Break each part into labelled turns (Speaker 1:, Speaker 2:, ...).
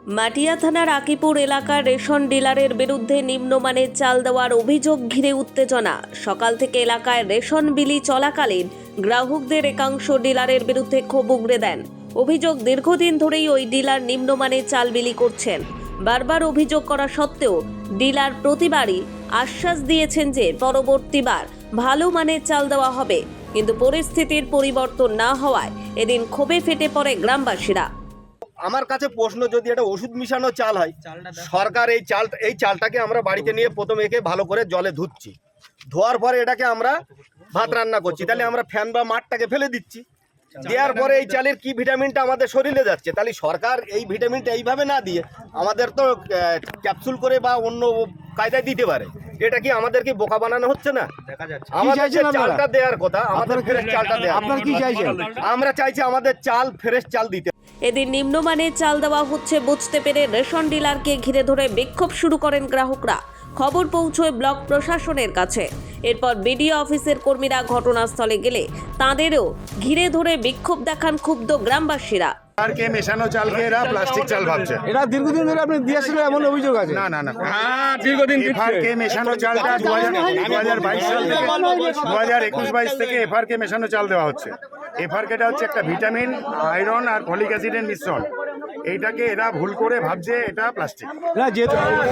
Speaker 1: মাটিয়া থানার আকিপুর এলাকার রেশন ডিলারের বিরুদ্ধে নিম্নমানের চাল দেওয়ার অভিযোগ ঘিরে উত্তেজনা। সকাল থেকে এলাকায় রেশন বিলি চলাকালীন গ্রাহকদের একাংশ ডিলারের বিরুদ্ধে ক্ষোভ উগরে দেন। অভিযোগ, দীর্ঘদিন ধরেই ওই ডিলার নিম্নমানের চাল বিলি করছেন। বারবার অভিযোগ করা সত্ত্বেও ডিলার প্রতিবারই আশ্বাস দিয়েছেন যে পরবর্তীবার ভালো মানের চাল দেওয়া হবে, কিন্তু পরিস্থিতির পরিবর্তন না হওয়ায় এদিন ক্ষোভে ফেটে পড়ে গ্রামবাসীরা।
Speaker 2: আমার কাছে প্রশ্ন, যদি এটা ওষুধ মিশানো চাল হয়, সরকার এই চালটাকে আমরা বাড়িতে নিয়ে প্রথমে একে ভালো করে জলে ধুচ্ছি, ধোয়ার পরে এটাকে আমরা ভাত রান্না করছি, তাহলে আমরা ফ্যান বা মাঠটাকে ফেলে দিচ্ছি। দেওয়ার পরে এই চালের কি ভিটামিনটা আমাদের শরীরে যাচ্ছে, তাহলে সরকার এই ভিটামিনটা এইভাবে না দিয়ে আমাদের তো ক্যাপসুল করে বা অন্য কায়দায় দিতে পারে। এটা কি আমাদেরকে বোকা বানানো হচ্ছে না? আমাদের চালটা দেওয়ার কথা, আমাদের ফ্রেশ চালটা দেওয়া। আপনারা কি চাইছেন? আমরা চাইছি আমাদের চাল ফ্রেশ চাল দিতে।
Speaker 1: এদিন নিম্নমানের চাল দেওয়া হচ্ছে বুঝতে পেরে রেশন ডিলারকে ঘিরে ধরে বিক্ষোভ শুরু করেন গ্রাহকরা। খবর পৌঁছয় ব্লক প্রশাসনের কাছে। এরপর বিডিও অফিসের কর্মীরা ঘটনাস্থলে গেলে তাঁদেরও ঘিরে ধরে বিক্ষোভ দেখান ক্ষুব্ধ গ্রামবাসীরা।
Speaker 3: এফআরকে মেশানো চালকে এরা প্লাস্টিক চাল ভাবছে।
Speaker 4: এটা দীর্ঘদিন ধরে আপনি দিয়েছিল এমন অভিযোগ আছে?
Speaker 3: না না না,
Speaker 4: দীর্ঘদিন
Speaker 3: এফআরকে মেশানো চালটা 2022 সাল থেকে 2021-22 থেকে এফআরকে মেশানো চাল দেওয়া হচ্ছে। এফআরকেটা হচ্ছে একটা ভিটামিন, আয়রন আর ফলিক অ্যাসিডের মিশ্রণ। এইটাকে এরা ভুল করে ভাবছে এটা প্লাস্টিক।
Speaker 4: না, যে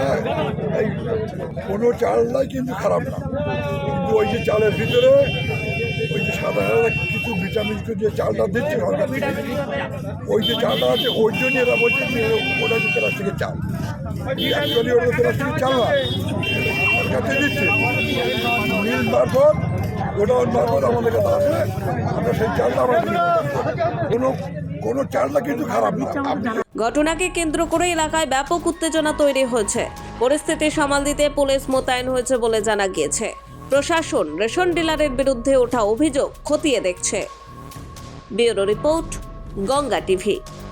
Speaker 5: কোনো চালটাই কিন্তু খারাপ না, কিন্তু ওই যে চালের ভিতরে ওই যে সাদা সাদা কিছু ভিটামিন যে চালটা দিচ্ছে সরকার থেকে, ওই যে চালটা আছে ওই জন্য এরা বলছে যে ওটা হচ্ছে প্লাস্টিকের চাল। অ্যাকচুয়ালি ওটা প্লাস্টিকের চাল না, সরকার থেকে দিচ্ছে মিল মারফত, ওটা মারফত আমাদের কাছে আসে, আমরা সেই চালটা আমরা কোনো চালটা কিন্তু খারাপ না।
Speaker 1: ঘটনাকে কেন্দ্র করে এলাকায় ব্যাপক উত্তেজনা তৈরি হয়েছে। পরিস্থিতি সামাল দিতে পুলিশ মোতায়েন হয়েছে বলে জানা গিয়েছে। প্রশাসন রেশন ডিলারের বিরুদ্ধে ওঠা অভিযোগ খতিয়ে দেখছে। Bureau report, Ganga TV.